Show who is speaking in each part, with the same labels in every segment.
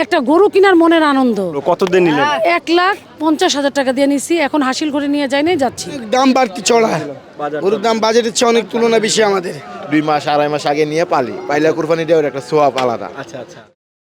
Speaker 1: একটা গরু কেনার মনের আনন্দ।
Speaker 2: কত দিন নিলেন?
Speaker 1: 1,50,000 টাকা দিয়ে নিছি, এখন হাসিল করে নিয়ে যাই নাই, যাচ্ছি।
Speaker 3: দাম বাড়তি চড়া, গরুর দাম বাজেটের চেয়ে অনেক তুলনা বেশি আমাদের।
Speaker 4: 2 মাস 2.5 মাস আগে নিয়ে পাইলে কুরবানি দেওয়ার একটা সোয়াব আলাদা।
Speaker 2: আচ্ছা আচ্ছা।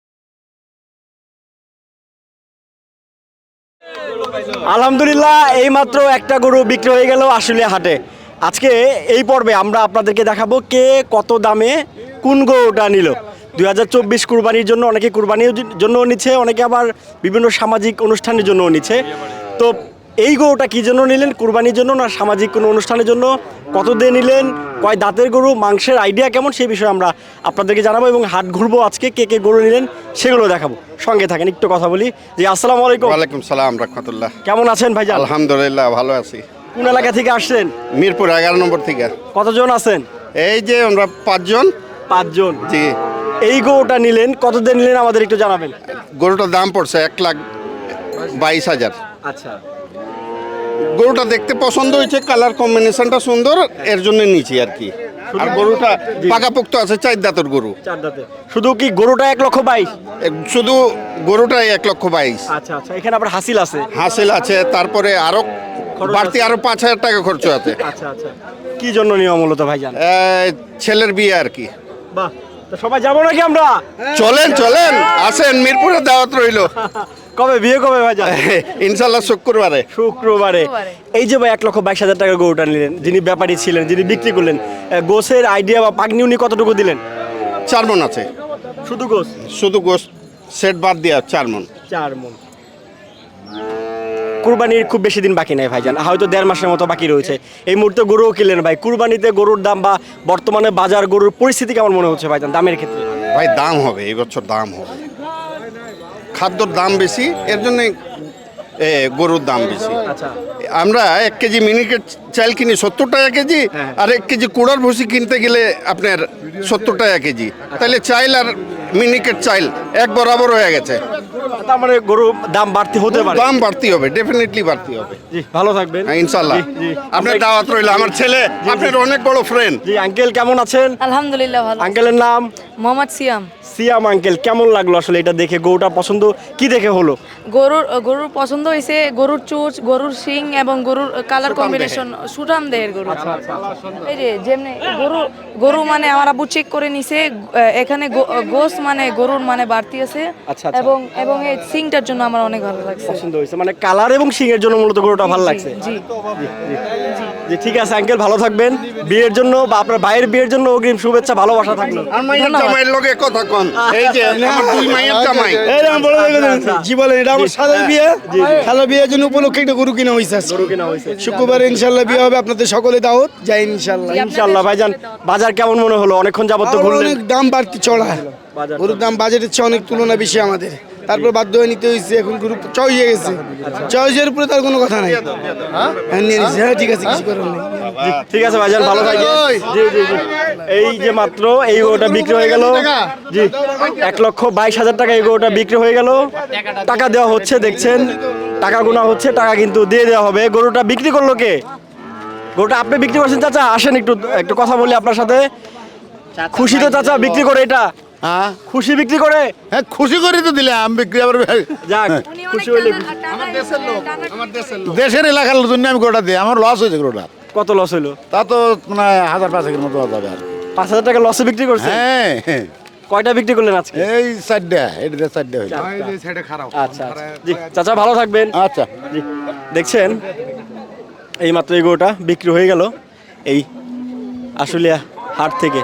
Speaker 2: আলহামদুলিল্লাহ, এইমাত্র একটা গরু বিক্রি হয়ে গেল আশুলিয়া হাটে। আজকে এই পর্বে আমরা আপনাদেরকে দেখাবো কে কত দামে কোন গরুটা নিল। 2024 কুরবানির জন্য অনেকে কুরবানির জন্য নিচ্ছে, অনেকে আবার বিভিন্ন সামাজিক অনুষ্ঠানের জন্য নিচ্ছে। তো এই গরুটা কী জন্য নিলেন, কুরবানির জন্য না সামাজিক কোনো অনুষ্ঠানের জন্য, কত দিয়ে নিলেন, কয় দাঁতের গরু, মাংসের আইডিয়া কেমন, সেই বিষয়ে আমরা আপনাদেরকে জানাবো এবং হাট ঘুরবো আজকে, কে কে গরু নিলেন সেগুলো দেখাবো। সঙ্গে থাকেন, একটু কথা বলি। জি, আসসালামু আলাইকুম।
Speaker 5: ওয়ালাইকুম সালাম রাহমাতুল্লাহ।
Speaker 2: কেমন আছেন ভাইজান?
Speaker 5: আলহামদুলিল্লাহ ভালো আছি।
Speaker 2: কোন এলাকা থেকে আসছেন?
Speaker 5: মিরপুর 11 নম্বর থেকে।
Speaker 2: কতজন আছেন?
Speaker 5: এই যে আমরা 5 জন।
Speaker 2: 5 জন।
Speaker 5: জি।
Speaker 2: এই গরুটা নিলেন, কত দিয়ে নিলেন আমাদের একটু জানাবেন।
Speaker 5: গরুটার দাম পড়ছে 1,22,000।
Speaker 2: আচ্ছা।
Speaker 5: গরুটা দেখতে পছন্দ হয়েছে, কালার কম্বিনেশনটা সুন্দর, এর জন্য নিয়েছি আর কি। আর গরুটা পাকাপোক্ত আছে, 4 দাঁতের গরু।
Speaker 2: 4 দাঁতে। শুধু কি গরুটা 1,22,000?
Speaker 5: শুধু গরুটাই 1,22,000।
Speaker 2: আচ্ছা আচ্ছা। এখানে আবার হাসিল আছে।
Speaker 5: হাসিল আছে, তারপরে আরো বাড়তি আরো 5,000 টাকা খরচ আছে।
Speaker 2: আচ্ছা আচ্ছা। কি জন্য নিয়ম মূলত ভাইজান?
Speaker 5: ছেলের বিয়ে আর কি।
Speaker 2: বাহ, তো সবাই যাবো নাকি আমরা?
Speaker 5: চলেন চলেন, আসেন, মিরপুরে দাওয়াত রইলো।
Speaker 2: কবে বিয়ে, কবে ভাইজান?
Speaker 5: ইনশাল্লাহ শুক্রবারে।
Speaker 2: শুক্রবারে। এই যে ভাই 1,22,000 টাকা গরুটা নিলেন, যিনি ব্যাপারী ছিলেন, যিনি বিক্রি করলেন, গোসের আইডিয়া বা পাগনি উনি কতটুকু দিলেন?
Speaker 5: 4 মণ আছে।
Speaker 2: শুধু গোস?
Speaker 5: শুধু গোস সেট বাদ দিয়া 4 মণ।
Speaker 2: 4 মণ। কুরবানির খুব বেশি দিন বাকি নাই ভাইজান, হয়তো 1.5 মাসের মতো বাকি রয়েছে। এই মুহূর্তে গরুও কিনলেন ভাই, কুরবানিতে গরুর দাম বা বর্তমানে বাজার গরুর পরিস্থিতি কেমন মনে হচ্ছে ভাইজান দামের ক্ষেত্রে?
Speaker 5: ভাই দাম হবে, এই বছর দাম হবে, খাদ্যর দাম বেশি, এর জন্য গরুর দাম বেশি।
Speaker 2: আচ্ছা।
Speaker 5: আমরা 1 কেজি মিনিকেট চাল কিনি 70 টাকা কেজি, আর 1 কেজি কুড়ার ভুসি কিনতে গেলে আপনার 70 টাকা কেজি। তাহলে চাইল আর মিনিকেট চাইল এক বরাবর হয়ে গেছে।
Speaker 2: তার মানে গরু দাম বাড়তি হতে পারে?
Speaker 5: দাম বাড়তি হবে, ডেফিনেটলি বাড়তি হবে।
Speaker 2: জি, ভালো থাকবেন।
Speaker 5: ইনশাল্লাহ। আপনার দাওয়াত রইল, আমার ছেলে আপনার অনেক বড় ফ্রেন্ড।
Speaker 2: জি আঙ্কেল, কেমন আছেন?
Speaker 6: আলহামদুলিল্লাহ ভালো।
Speaker 2: আঙ্কেলের নাম?
Speaker 6: মোহাম্মদ সিয়াম।
Speaker 2: সিয়াম আঙ্কেল, কেমন লাগলো আসলে এটা দেখে? গরুটা পছন্দ কি দেখে হলো?
Speaker 6: গরুর পছন্দ হয়েছে, গরুর চুচ, গরুর শিং এবং গরুর কালার কম্বিনেশন, সুঠাম দেহের গরু। এই যে যেমনি গরু মানে আমার আব্বু চেক করে নিছে, এখানে গোস মানে গরুর মানে বাড়তি আছে।
Speaker 2: আচ্ছা।
Speaker 6: এবং এই শিংটার জন্য আমার অনেক ভালো লাগছে।
Speaker 2: পছন্দ হয়েছে মানে কালার এবং শিং এর জন্য মূলত গরুটা ভালো লাগছে।
Speaker 6: জি
Speaker 2: জি, ঠিক আছে আঙ্কেল, ভালো থাকবেন। বিয়ের জন্য বা আপনার ভাইয়ের বিয়ের জন্য অগ্রিম শুভেচ্ছা, ভালোবাসা থাকলো।
Speaker 5: আর মাইয়ের জামাইয়ের লগে কথা কন, এই যে আমার 2 মাইয়ের জামাই।
Speaker 3: এই আমি বলে জি বলেন, এটা আমার সাদের বিয়ে, খালা বিয়ের জন্য উপলক্ষে একটা গরু কিনা হয়েছে।
Speaker 2: গরু কেনা হয়েছে।
Speaker 3: শুক্রবারে ইনশাল্লাহ বিয়ে হবে, আপনাদের সকলে দাওয়াত, যাই ইনশাল্লাহ।
Speaker 2: ইনশাআল্লাহ। ভাইজান বাজার কেমন মনে হলো? অনেকক্ষণ যাবত তো ঘুরলেন।
Speaker 3: অনেক দাম বাড়তি চড়া, গরুর দাম বাজেটের চেয়ে অনেক তুলনা বেশি আমাদের। তারপর বাধ্য হয়ে নিতে হয়েছে, এখন গরু চয়েস হয়ে গেছে। চয়েসের উপরে তার কোনো কথা নাই। হ্যাঁ নিয়ে নিচ্ছি, হ্যাঁ ঠিক আছে, কিছু করার নেই।
Speaker 2: ঠিক আছে ভাইজান, ভালো থাকবেন। জি জি জি। এই যে মাত্র এই গরুটা বিক্রি হয়ে গেল। জি, 1,22,000 টাকা এই গরুটা বিক্রি হয়ে গেল। টাকা দেওয়া হচ্ছে, দেখছেন টাকা গোনা হচ্ছে, টাকা কিন্তু দিয়ে দেওয়া হবে। গরুটা বিক্রি করলো কে? গরুটা আপনি বিক্রি করছেন চাচা? আসেন একটু কথা বলি আপনার সাথে। খুশি তো চাচা বিক্রি করে? এটা
Speaker 7: হ্যাঁ
Speaker 2: খুশি বিক্রি করে?
Speaker 7: হ্যাঁ খুশি করে তো দিলে আমি বিক্রি আবার
Speaker 2: যাক, খুশি হইলে।
Speaker 7: দেশের এলাকার জন্য আমি গরুটা দিই, আমার লস হয়েছে গরুটা।
Speaker 2: কত লস হইলো?
Speaker 7: তা তো মানে 1,000-5,000 মতো যাবে আর।
Speaker 2: 5,000 টাকা লসে বিক্রি করছেন?
Speaker 7: হ্যাঁ,
Speaker 2: কয়টা বিক্রি করলেন আজকে?
Speaker 7: এই 4টা, এটা 4টা হয়েছে।
Speaker 2: আচ্ছা। জি চাচা, ভালো থাকবেন।
Speaker 7: আচ্ছা।
Speaker 2: জি, দেখছেন এই মাত্র এই গরুটা বিক্রি হয়ে গেল এই আশুলিয়া হাট থেকে।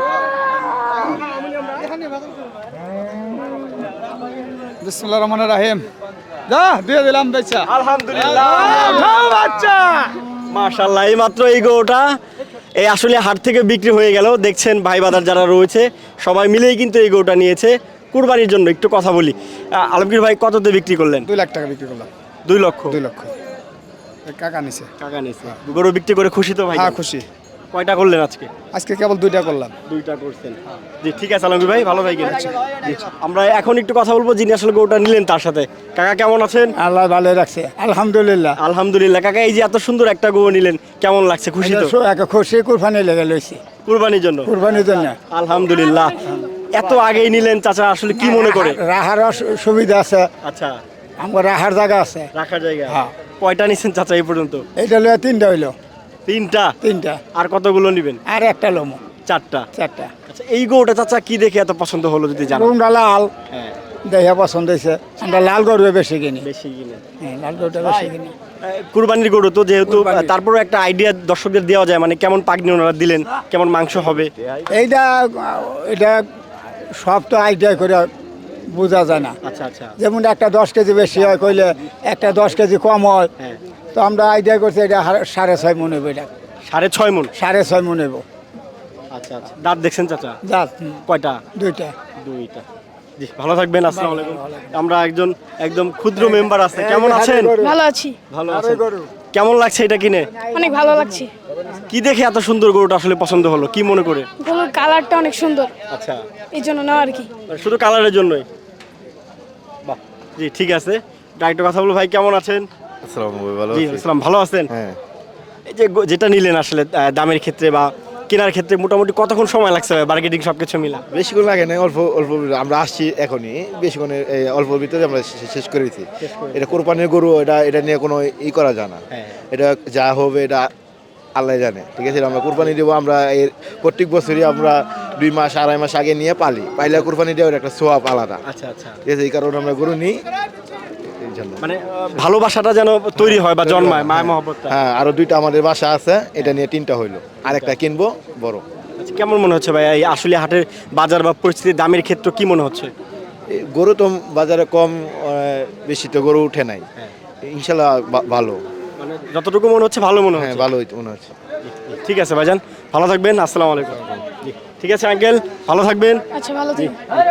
Speaker 8: বিসমিল্লাহির রহমানির রহিম। যা দিয়ে দিলাম বেচা।
Speaker 2: আলহামদুলিল্লাহ, বাচ্চা মাশাআল্লাহ। এই মাত্র এই গরুটা এই আশুলিয়া হাট থেকে বিক্রি হয়ে গেল। দেখছেন ভাই বাজার যারা রয়েছে সবাই মিলেই কিন্তু এই গরুটা নিয়েছে কুরবানির জন্য। একটু কথা বলি, আলমগীর ভাই কততে বিক্রি করলেন?
Speaker 8: 2 লাখ টাকা বিক্রি করলাম।
Speaker 2: 2 লক্ষ?
Speaker 8: 2 লক্ষ কাকা নিছে।
Speaker 2: টাকা নিছে। গরু বিক্রি করে খুশি তো ভাই?
Speaker 8: হ্যাঁ খুশি।
Speaker 2: কয়টা করলেন আজকে?
Speaker 8: আজকে কেবল 2টা করলাম।
Speaker 2: 2টা করছেন। জি ঠিক আছে আলমগীর ভাই, ভালো থাকবেন। জি, আমরা এখন একটু কথা বলবো যিনি আসলে গরুটা নিলেন তার সাথে। কাকা কেমন আছেন?
Speaker 8: আল্লাহ ভালো রাখছে, আলহামদুলিল্লাহ।
Speaker 2: আলহামদুলিল্লাহ। কাকা এই যে এত সুন্দর একটা গরু নিলেন, কেমন লাগছে? খুশি তো?
Speaker 8: খুশি কুরবানি লেগে লইছি,
Speaker 2: কুরবানির জন্য?
Speaker 8: কুরবানির জন্য।
Speaker 2: আলহামদুলিল্লাহ। এত আগেই নিলেন চাচা, আসলে কি মনে করে?
Speaker 8: রাহার সুবিধা আছে,
Speaker 2: আচ্ছা,
Speaker 8: আমার রাহার জায়গা আছে।
Speaker 2: রাখার জায়গা।
Speaker 8: হ্যাঁ।
Speaker 2: কয়টা নিছেন চাচা এই পর্যন্ত?
Speaker 8: এইটা লইয়া তিনটা হইলো,
Speaker 2: তিনটা।
Speaker 8: তিনটা।
Speaker 2: আর কতগুলো নিবেন?
Speaker 8: আর একটা লোমো,
Speaker 2: চারটা।
Speaker 8: চারটা।
Speaker 2: আচ্ছা, এই গরুটা চাচা কি দেখে এত পছন্দ হলো যদি জানো?
Speaker 8: রুমটা লাল,
Speaker 2: হ্যাঁ,
Speaker 8: দেখা পছন্দ হয়েছে। আমরা লাল গরু বেশি কিনি,
Speaker 2: বেশি কিনে।
Speaker 8: হ্যাঁ, লাল গরুটা বেশি কিনি।
Speaker 2: কুরবানির গরু তো যেহেতু,
Speaker 8: কুরবানির।
Speaker 2: তারপরে একটা আইডিয়া দর্শকদের দেওয়া যায়, মানে কেমন পাগনি ওনারা দিলেন, কেমন মাংস হবে?
Speaker 8: এইটা এটা সব তো আইডিয়া করে বোঝা যায় না।
Speaker 2: আচ্ছা আচ্ছা,
Speaker 8: যেমন একটা 10 কেজি বেশি হয় কইলে একটা 10 কেজি কম হয়,
Speaker 2: হ্যাঁ।
Speaker 8: তো আমরা আইডিয়া করছি এটা 6.5 মন হইব, এটা
Speaker 2: 6.5 মণ।
Speaker 8: 6.5 মন হইব।
Speaker 2: আচ্ছা আচ্ছা, দাঁত দেখছেন চাচা?
Speaker 8: জাত
Speaker 2: কয়টা?
Speaker 8: দুইটা।
Speaker 2: দুইটা। জি, ভালো থাকবেন। আসসালামু আলাইকুম। আমরা একদম ক্ষুদ্র মেম্বার আছে, কেমন আছেন?
Speaker 9: ভালো আছি,
Speaker 2: ভালো আছেন। কেমন লাগছে এটা কিনে?
Speaker 9: অনেক ভালো লাগছে।
Speaker 2: কি দেখে এত সুন্দর গরুটা আসলে পছন্দ হলো, কি মনে করে?
Speaker 9: গরুর কালারটা অনেক সুন্দর,
Speaker 2: আচ্ছা,
Speaker 9: এই জন্য নেওয়া আর কি।
Speaker 2: মানে শুধু কালারের জন্যই? বাহ, জি ঠিক আছে। ডাইরেক্ট কথা বলবো, ভাই কেমন আছেন? জি আসসালাম, ভালো আছেন?
Speaker 4: হ্যাঁ,
Speaker 2: এই যে যেটা নিলেন আসলে দামের ক্ষেত্রে বা কেনার ক্ষেত্রে মোটামুটি কতক্ষণ সময় লাগছে মার্কেটিং সবকিছু মিলা?
Speaker 4: বেশিক্ষণ লাগে না, অল্প অল্প আমরা আসছি এখনই, বেশিক্ষণের অল্প ভিতরে আমরা শেষ করেছি। এটা কোরবানির গরু, এটা নিয়ে কোনো ই করা যায় না।
Speaker 2: হ্যাঁ।
Speaker 4: এটা যা হবে এটা আল্লাহ জানে, ঠিক আছে? আমরা কোরবানি দেবো, আমরা এর প্রত্যেক বছরই আমরা 2 মাস 2.5 মাস আগে নিয়ে পাইলে কোরবানি দেওয়ার একটা সোয়াব আলাদা,
Speaker 2: আচ্ছা আচ্ছা,
Speaker 4: ঠিক আছে? এই কারণে আমরা গরু নিই এই জন্য।
Speaker 2: মানে ভালোবাসাটা যেন তৈরি হয় বা জন্মায়, মায়া মহব্বতটা।
Speaker 4: হ্যাঁ, আরো 2টা আমাদের বাসা আছে, এটা নিয়ে 3টা হইলো, আরেকটা কিনবো বড়।
Speaker 2: আচ্ছা, কেমন মনে হচ্ছে ভাই এই আসলে হাটের বাজার বা পরিস্থিতি দামের ক্ষেত্রে কি মনে হচ্ছে?
Speaker 4: এই গরু তো বাজারে কম, বেশি তো গরু উঠে নাই, ইনশাল্লাহ ভালো।
Speaker 2: মানে যতটুকু মনে হচ্ছে ভালো মনে
Speaker 4: হ্যাঁ,
Speaker 2: হচ্ছে।
Speaker 4: ভালোই মনে হচ্ছে।
Speaker 2: ঠিক আছে ভাইজান, ভালো থাকবেন। আসসালামু আলাইকুম। জি, ঠিক আছে আঙ্কেল, ভালো থাকবেন।
Speaker 9: আচ্ছা, ভালো থাকি।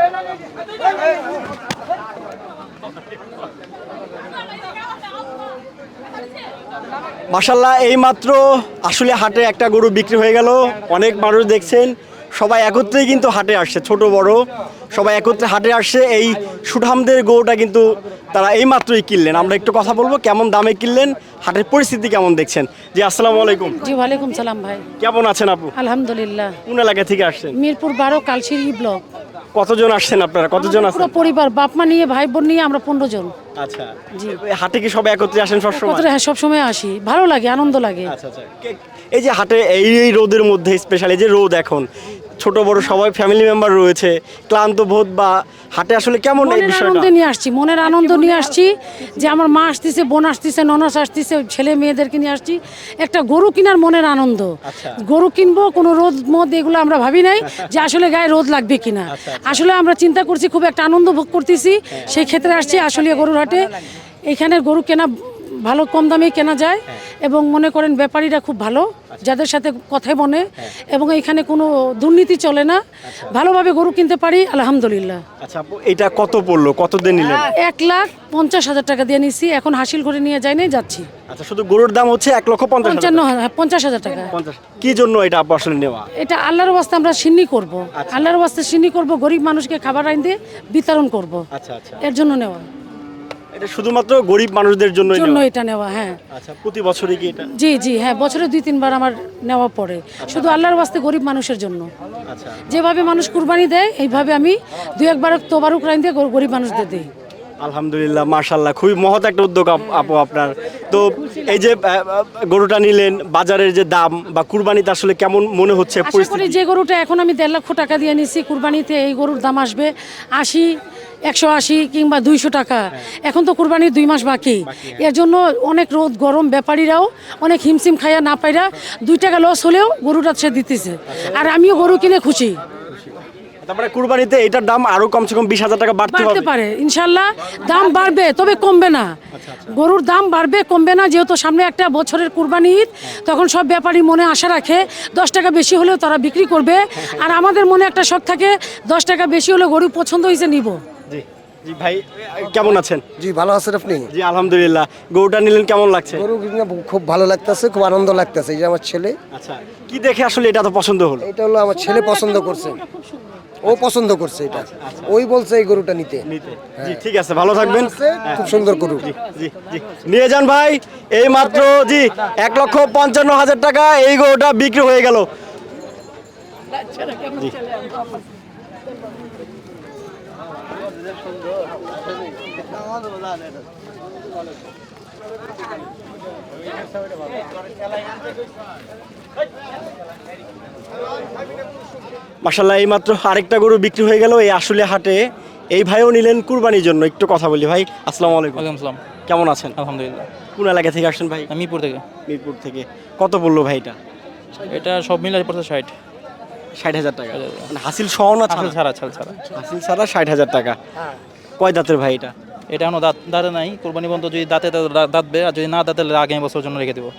Speaker 2: মাশাল্লাহ, এই মাত্র আসলে হাটে একটা গরু বিক্রি হয়ে গেল। অনেক মানুষ দেখছেন, সবাই একত্রেই কিন্তু হাটে আসছে, ছোট বড় সবাই একত্রে হাটে আসছে। এই সুঠামদের গরুটা কিন্তু তারা এই মাত্রই কিনলেন। আমরা একটু কথা বলবো কেমন দামে কিনলেন, হাটের পরিস্থিতি কেমন দেখছেন। জি আসসালামু আলাইকুম।
Speaker 1: জি ওয়ালাইকুম সালাম ভাই,
Speaker 2: কেমন আছেন আপু?
Speaker 1: আলহামদুলিল্লাহ।
Speaker 2: কোন এলাকা থেকে আসছেন?
Speaker 1: মিরপুর 12 কালশিরি ব্লক।
Speaker 2: কতজন আসছেন আপনারা, কতজন
Speaker 1: আমাদের
Speaker 2: আছেন?
Speaker 1: পুরো পরিবার, বাপ মা নিয়ে ভাই বোন নিয়ে আমরা 15 জন।
Speaker 2: আচ্ছা,
Speaker 1: জি।
Speaker 2: হাটে কি সবাই একত্রে আসেন সবসময়?
Speaker 1: কতটা, হ্যাঁ সবসময় আসি, ভালো লাগে, আনন্দ লাগে।
Speaker 2: আচ্ছা আচ্ছা, এই যে হাটে এই রোদের মধ্যে স্পেশালি যে রোদ এখন, ছোট বড় সবাই ফ্যামিলি মেম্বার রয়েছে, ক্লান্ত বোধ বা হাটে আসলে কেমন এই
Speaker 1: মনের
Speaker 2: বিষয়টা?
Speaker 1: আনন্দ নিয়ে আসছি, মনের আনন্দ নিয়ে আসছি যে আমার মা আসতেছে, বোন আসতেছে, ননস আসতেছে, ছেলে মেয়েদেরকে নিয়ে আসছি। একটা গরু কেনার মনের আনন্দ। গরু কিনবো, কোনো রোদ মদ এগুলো আমরা ভাবি নাই যে আসলে গায়ে রোদ লাগবে কিনা। আসলে আমরা চিন্তা করছি, খুব একটা আনন্দ ভোগ করতেছি, সেই ক্ষেত্রে আসছি আসলে গরুর হাটে। এখানের গরু কেনা ভালো, কম দামে কেনা যায় এবং মনে করেন ব্যাপারীরা খুব ভালো, যাদের সাথে কথায় বনে, এবং এখানে কোনো দুর্নীতি চলে না, ভালোভাবে গরু কিনতে পারি আলহামদুলিল্লাহ।
Speaker 2: আচ্ছা আপু, এটা কত পড়লো, কত দিন নিলেন?
Speaker 1: 1,50,000 টাকা দিয়ে নিচ্ছি, এখন হাসিল করে নিয়ে যাই নাই, যাচ্ছি।
Speaker 2: আচ্ছা, শুধু গরুর দাম হচ্ছে 1,50,000।
Speaker 1: 50,000 টাকা।
Speaker 2: 50 কি জন্য এটা আপু আসলে নেওয়া?
Speaker 1: এটা আল্লাহর ওয়াস্তে আমরা সিন্নি করব, আল্লাহর ওয়াস্তে সিন্নি করব, গরিব মানুষকে খাবার আইন দিয়ে বিতরণ করব,
Speaker 2: আচ্ছা আচ্ছা,
Speaker 1: এর জন্য নেওয়া।
Speaker 2: এটা শুধুমাত্র গরিব মানুষদের জন্যই
Speaker 1: জন্য
Speaker 2: নেওয়া?
Speaker 1: এটা নেওয়া, হ্যাঁ।
Speaker 2: আচ্ছা, প্রতি বছরই কি এটা?
Speaker 1: জি জি, হ্যাঁ, বছরে 2-3 বার আমার নেওয়া পড়ে, শুধু আল্লাহর ওয়াস্তে গরিব মানুষের জন্য।
Speaker 2: আচ্ছা,
Speaker 1: যেভাবে মানুষ কুরবানি দেয়, এইভাবে আমি 2-1 বার তোবারুক রাইন দিয়ে গরিব মানুষদের দিই।
Speaker 2: আলহামদুলিল্লাহ, মাশাআল্লাহ, খুবই মহৎ একটা উদ্যোগ আপু আপনার। তো এই যে গরুটা নিলেন, বাজারের যে দাম বা কুরবানিতে আসলে কেমন মনে হচ্ছে
Speaker 1: আশা করি
Speaker 2: পরিস্থিতি?
Speaker 1: যে গরুটা এখন আমি 1.5 লক্ষ টাকা দিয়ে নিচ্ছি, কুরবানিতে এই গরুর দাম আসবে 80, 180 কিংবা 200 টাকা। এখন তো কুরবানির 2 মাস বাকি, এর জন্য অনেক রোদ গরম, ব্যাপারীরাও অনেক হিমশিম খাইয়া না পাইরা 2 টাকা লস হলেও গরুটা সে দিতেছে, আর আমিও গরু কিনে খুশি।
Speaker 2: তারপরে কুরবানিতে এটার দাম আরো কমসে কম 20,000 টাকা বাড়তে
Speaker 1: বাড়তে
Speaker 2: হবে।
Speaker 1: পারে ইনশাল্লাহ, দাম বাড়বে, তবে কমবে না। গরুর দাম বাড়বে, কমবে না, যেহেতু সামনে একটা বছরের কুরবানি ঈদ, তখন সব ব্যাপারী মনে আশা রাখে 10 টাকা বেশি হলেও তারা বিক্রি করবে, আর আমাদের মনে একটা শখ থাকে 10 টাকা বেশি হলে গরু পছন্দ হয়েছে নিব।
Speaker 2: জি জি ভাই, কেমন আছেন?
Speaker 10: জি ভালো আছেন আপনি?
Speaker 2: জি আলহামদুলিল্লাহ। গরুটা নিলেন, কেমন লাগছে?
Speaker 10: গরু কিনে খুব ভালো লাগতেছে, খুব আনন্দ লাগতেছে। এই যে আমার ছেলে,
Speaker 2: আচ্ছা, কি দেখে আসলে এটা তো পছন্দ হলো?
Speaker 10: এটা হলো আমার ছেলে পছন্দ করছে, ও পছন্দ করছে এটা, ওই বলছে এই গরুটা নিতে।
Speaker 2: জি ঠিক আছে, ভালো থাকবেন।
Speaker 10: খুব সুন্দর গরু।
Speaker 2: জি জি, নিয়ে যান ভাই। এই মাত্র জি 1,55,000 টাকা এই গরুটা বিক্রি হয়ে গেল। জি। মাশাল্লাহ এই মাত্র আরেকটা গরু বিক্রি হয়ে গেল এই আশুলিয়া হাটে। এই ভাইও নিলেন কুরবানির জন্য। একটু কথা বলি ভাই, আসসালামু আলাইকুম।
Speaker 11: ওয়ালাইকুম আসসালাম।
Speaker 2: কেমন আছেন?
Speaker 11: আলহামদুলিল্লাহ।
Speaker 2: কোন এলাকা থেকে আসছেন ভাই?
Speaker 11: আমি মিরপুর থেকে।
Speaker 2: মিরপুর থেকে। কত বললো ভাই এটা?
Speaker 11: এটা সব মিলে পড়ছে 60।
Speaker 2: 60,000 টাকা মানে হাসিল সহ না
Speaker 11: আসল
Speaker 2: ছাড়া?
Speaker 11: ছাড়া।
Speaker 2: হাসিল ছাড়া 60,000 টাকা। কয় দাঁতের ভাই এটা?
Speaker 11: এটা এখনো দাঁতে নাই, কোরবানি বন্ধ যদি দাঁতে দাঁতবে, আর যদি না দাঁতে আগামী বছর জন্য রেখে দেবো।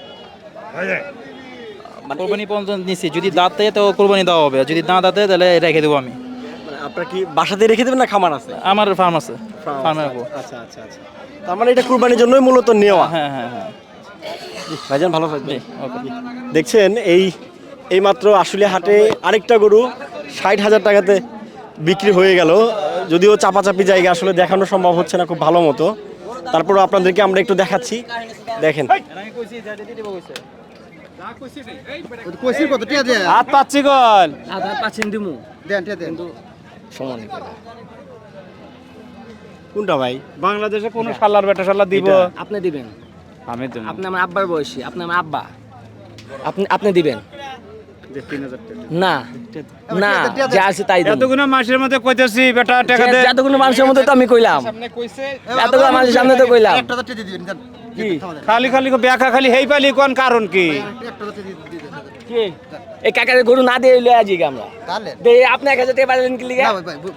Speaker 11: কোরবানি পর্যন্ত নিচ্ছি, যদি দাঁতে তো কোরবানি দেওয়া হবে, আর যদি না দাঁতে তাহলে রেখে দেবো আমি।
Speaker 2: মানে আপনার কি বাসাতে রেখে দেবেন না খামার আছে?
Speaker 11: আমার ফার্ম আছে, ফার্মে রাখবো।
Speaker 2: আচ্ছা আচ্ছা আচ্ছা, তার মানে এটা কুরবানির জন্যই মূলত নেওয়া।
Speaker 11: হ্যাঁ।
Speaker 2: ভাইজান ভালো থাকবেন।
Speaker 11: ওকে।
Speaker 2: দেখছেন এই মাত্র আশুলিয়া হাটে আরেকটা গরু 60,000 টাকাতে বিক্রি হয়ে গেল। যদিও চাপাচাপি জায়গা আসলে দেখানো সম্ভব হচ্ছে না খুব ভালো মতো, তারপরও আপনাদেরকে আমরা একটু দেখাচ্ছি। দেখেন কোনটা ভাই?
Speaker 8: বাংলাদেশে কোন শালার বেটা শালা দিব?
Speaker 10: আপনি দিবেন,
Speaker 8: আমি দেব।
Speaker 10: আপনি আমার আব্বার বয়সী, আপনি আমার আব্বা, আপনি দিবেন না না, যা আছে তাই দিন।
Speaker 8: এতগুলো মাসের মধ্যে কইতেছি বেটা টাকা দে।
Speaker 10: এতগুলো মানুষের মধ্যে তো আমি কইলাম, এতগুলো মানুষের সামনে তো কইলাম।
Speaker 8: খালি ব্যাখ্যা খালি হেই পালি কোন কারণ কি?
Speaker 10: এই কাকারে গরু না দিয়ে লয়ে আছি আমরা, দে আপনি 1000 টাকা পাইলেন কি লিগা?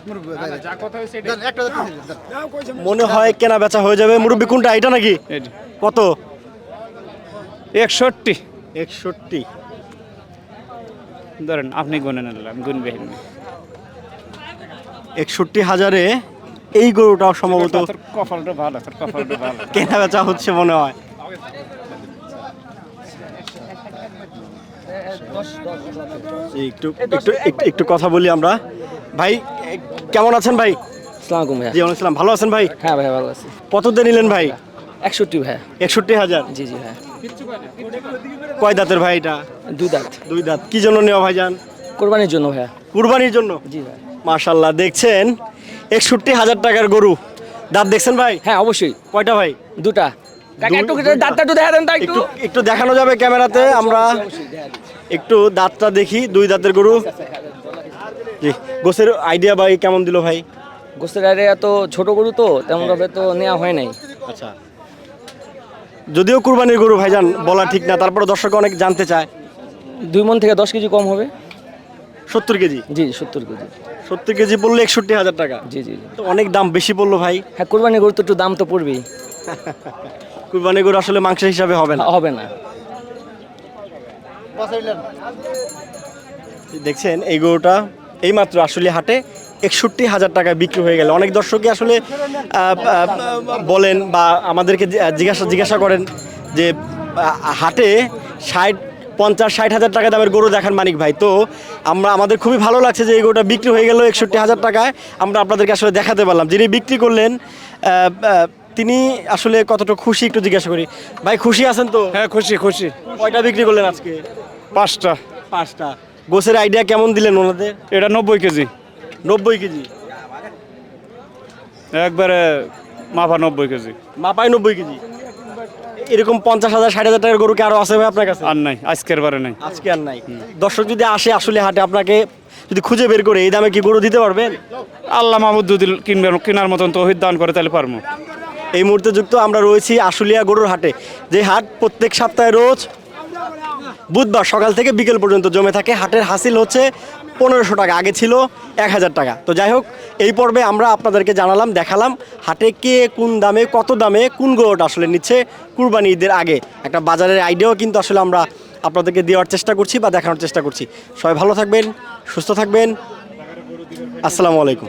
Speaker 2: মনে হয় কেনা বেচা হয়ে যাবে। মুরব্বি কোনটা, এটা নাকি? কত?
Speaker 8: 61।
Speaker 2: 61
Speaker 8: ধরেন আপনি গুনে নিলাম, গুনবে
Speaker 2: 61,000-এ এই গরুটাও সম্ভবত
Speaker 8: কপালটা ভালো, কপালটা ভালো।
Speaker 2: কেনা বেচা হচ্ছে মনে হয়। একটু কথা বলি আমরা। ভাই কেমন আছেন ভাই?
Speaker 10: আসসালামু আলাইকুম ভাইয়া।
Speaker 2: জি ওয়ালাইকুম আসসালাম। ভালো আছেন ভাই?
Speaker 10: হ্যাঁ ভাইয়া ভালো আছি।
Speaker 2: কত দিয়ে নিলেন ভাই?
Speaker 10: 61 ভাইয়া।
Speaker 2: 61,000।
Speaker 10: জি ভাইয়া।
Speaker 2: কয় দাঁতের ভাই এটা?
Speaker 10: 2 দাঁত।
Speaker 2: 2 দাঁত। কি জন্য নেওয়া ভাইজান?
Speaker 10: কোরবানির জন্য ভাইয়া।
Speaker 2: কুরবানির জন্য?
Speaker 10: জি ভাই।
Speaker 2: মাশাআল্লাহ, দেখছেন 61,000 টাকার গরু। দাঁত দেখছেন ভাই?
Speaker 10: হ্যাঁ অবশ্যই।
Speaker 2: কয়টা ভাই?
Speaker 10: 2টা। কাকা একটু দাঁতটা একটু দেখা দেন তো একটু।
Speaker 2: একটু দেখানো যাবে ক্যামেরাতে? আমরা একটু দাঁতটা দেখি। 2 দাঁতের গরু। জি, গোছের আইডিয়া ভাই কেমন দিল ভাই?
Speaker 10: গোস্তের আরে এত ছোট গরু তো তেমন ভাবে তো নেওয়া হয় নাই।
Speaker 2: আচ্ছা, যদিও কুরবানির গরু ভাইজান বলা ঠিক না, তারপরে দর্শক অনেক জানতে চায়।
Speaker 10: 2 মণ থেকে 10 কেজি কম হবে।
Speaker 2: 70 কেজি?
Speaker 10: জি 70 কেজি।
Speaker 2: 70 কেজি বললে 61,000 টাকা?
Speaker 10: জি
Speaker 2: তো অনেক দাম বেশি বললো ভাই।
Speaker 10: হ্যাঁ কুরবানির গরু তো একটু দাম তো পড়বেই।
Speaker 2: কুরবানির গরু আসলে মাংসের হিসাবে হবে না।
Speaker 10: হবে না।
Speaker 2: দেখছেন এই গরুটা এইমাত্র আশুলিয়া হাটে 61,000 টাকায় বিক্রি হয়ে গেল। অনেক দর্শকই আসলে বলেন বা আমাদেরকে জিজ্ঞাসা করেন যে হাটে 50-60,000 টাকা দামের গরু দেখান মানিক ভাই। তো আমাদের খুবই ভালো লাগছে যে এই গরুটা বিক্রি হয়ে গেল 61,000 টাকায়। আমরা আপনাদেরকে আসলে দেখাতে পারলাম। যিনি বিক্রি করলেন তিনি আসলে কতটা খুশি একটু জিজ্ঞাসা করি। ভাই খুশি আছেন তো?
Speaker 8: হ্যাঁ খুশি।
Speaker 2: কয়টা বিক্রি করলেন আজকে?
Speaker 8: 5টা।
Speaker 2: 5টা। গোছের আইডিয়া কেমন দিলেন ওনাদের?
Speaker 8: এটা 90 কেজি।
Speaker 2: 90 কেজি
Speaker 8: একবারে মাপা 90 কেজি।
Speaker 2: মাপায় 90 কেজি। এরকম 50,000-60,000 টাকার গরু কি আরো আছে ভাই আপনার কাছে?
Speaker 8: আর নাই, আজকের বারে নাই।
Speaker 2: আজকে আর নাই। দর্শক যদি আসে আসলে হাটে আপনাকে যদি খুঁজে বের করে এই দামে কি গরু দিতে পারবেন?
Speaker 8: আল্লাহ মাহমুদ যদি কেনার মতন তৌহিদ দান করে তাহলে পারবো।
Speaker 2: এই মুহূর্তে যুক্ত আমরা রয়েছি আশুলিয়া গরুর হাটে, যে হাট প্রত্যেক সপ্তাহে রোজ বুধবার সকাল থেকে বিকেল পর্যন্ত জমে থাকে। হাটের হাসিল হচ্ছে 1500 টাকা, আগে ছিল 1000 টাকা। তো যাই হোক, এই পর্বে আমরা আপনাদেরকে জানালাম, দেখালাম হাটে কে কোন দামে কত দামে কোন গরুটা আসলে নিচ্ছে কুরবানি ঈদের আগে। একটা বাজারের আইডিয়াও কিন্তু আসলে আমরা আপনাদেরকে দেওয়ার চেষ্টা করছি বা দেখানোর চেষ্টা করছি। সবাই ভালো থাকবেন, সুস্থ থাকবেন। আসসালামু আলাইকুম।